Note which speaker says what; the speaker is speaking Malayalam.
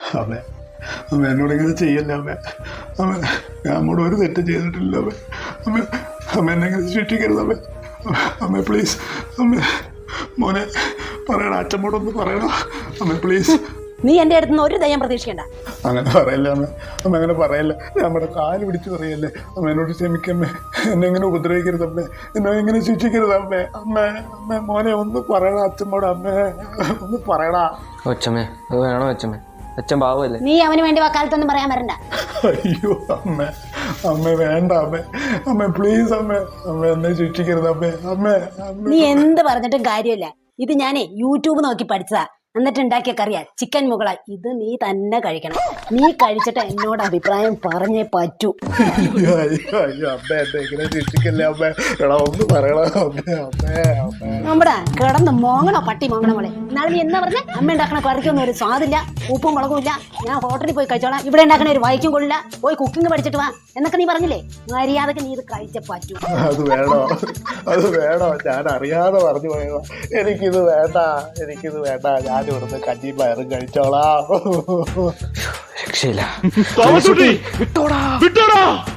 Speaker 1: അമ്മ അമ്മ എന്നോട് ഇങ്ങനെ ചെയ്യല്ലേ അമ്മ. അമ്മ ഞാൻ അമ്മോട് ഒരു തെറ്റും ചെയ്തിട്ടില്ല അമ്മ. അമ്മ അമ്മ എന്നെ ഇങ്ങനെ ശിക്ഷിക്കരുത് അമ്മ. അമ്മ പ്ലീസ് അമ്മ. മോനെ പറയണ, അച്ഛമ്മോടൊന്ന് പറയണോ അമ്മ പ്ലീസ്.
Speaker 2: നീ എൻ്റെ അടുത്ത് നിന്ന് ഒരു ദയം പ്രതീക്ഷിക്കണ്ട.
Speaker 1: അങ്ങനെ പറയല്ല അമ്മ. അമ്മ അങ്ങനെ പറയല്ല. നമ്മുടെ കാല് പിടിച്ച് പറയല്ലേ അമ്മ. എന്നോട് ക്ഷമിക്കമ്മേ. എന്നെ ഇങ്ങനെ ഉപദ്രവിക്കരുത് അമ്മേ. എന്നെ ഇങ്ങനെ ശിക്ഷിക്കരുത് അമ്മേ. അമ്മ അമ്മ മോനെ ഒന്ന് പറയണ അച്ഛമ്മോട് അമ്മേ. ഒന്ന് പറയണ
Speaker 3: കൊച്ചമ്മേ. അത് വേണോ കൊച്ചമ്മേ? അച്ഛൻ പാവല്ലേ?
Speaker 2: നീ അവന് വേണ്ടി വക്കാലത്തൊന്നും പറയാൻ വരണ്ട.
Speaker 1: അയ്യോ അമ്മ അമ്മ വേണ്ട അമ്മ. അമ്മ പ്ലീസ് അമ്മ. അമ്മ എന്നെ ശിക്ഷിക്കരുത് അമ്മേ. അമ്മ
Speaker 2: നീ എന്ത് പറഞ്ഞിട്ടും കാര്യമില്ല. ഇത് ഞാനേ യൂട്യൂബ് നോക്കി പഠിച്ചതാ. എന്നിട്ട് ഉണ്ടാക്കിയ കറിയാ ചിക്കൻ മുകള. ഇത് നീ തന്നെ കഴിക്കണം. നീ കഴിച്ചിട്ട് എന്നോട് അഭിപ്രായം പറഞ്ഞേ പറ്റൂ.
Speaker 1: അയ്യോ അമ്മ എന്നെ ഇങ്ങനെ ശിക്ഷിക്കല്ലേ അമ്മ. എടാ ഒന്ന് പറയണ അമ്മേ. അമ്മേ അമ്മേ
Speaker 2: നമ്മുടെ കിടന്ന് മോങ്ങണോ പട്ടി മോങ്ങണ പോലെ. എന്നാലും നീ എന്നാ പറഞ്ഞ അമ്മ ഉണ്ടാക്കണ കറിക്കൊന്നും ഒരു സ്വാദില്ല, ഉപ്പും മുളകും ഇല്ല. ഞാൻ ഹോട്ടലിൽ പോയി കഴിച്ചോളാം, ഇവിടെ ഉണ്ടാക്കണ ഒരു വൈക്കും കൊള്ളില്ല, പോയി കുക്കിംഗ് പഠിച്ചിട്ട് വാ എന്നൊക്കെ നീ പറഞ്ഞില്ലേ. മര്യാദക്ക് നീ ഇത് കഴിച്ചേ പറ്റൂ.
Speaker 1: അത് വേണോ? അത് വേണോ? ഞാൻ അറിയാതെ പറഞ്ഞു പോയതാ. എനിക്കിത് വേണ്ട. എനിക്കിത് വേണ്ട. ഞാൻ ഇവിടുന്ന് കഞ്ഞിയും പയറും കഴിച്ചോളാം.
Speaker 3: രക്ഷയില്ല.
Speaker 4: വിട്ടോടാ.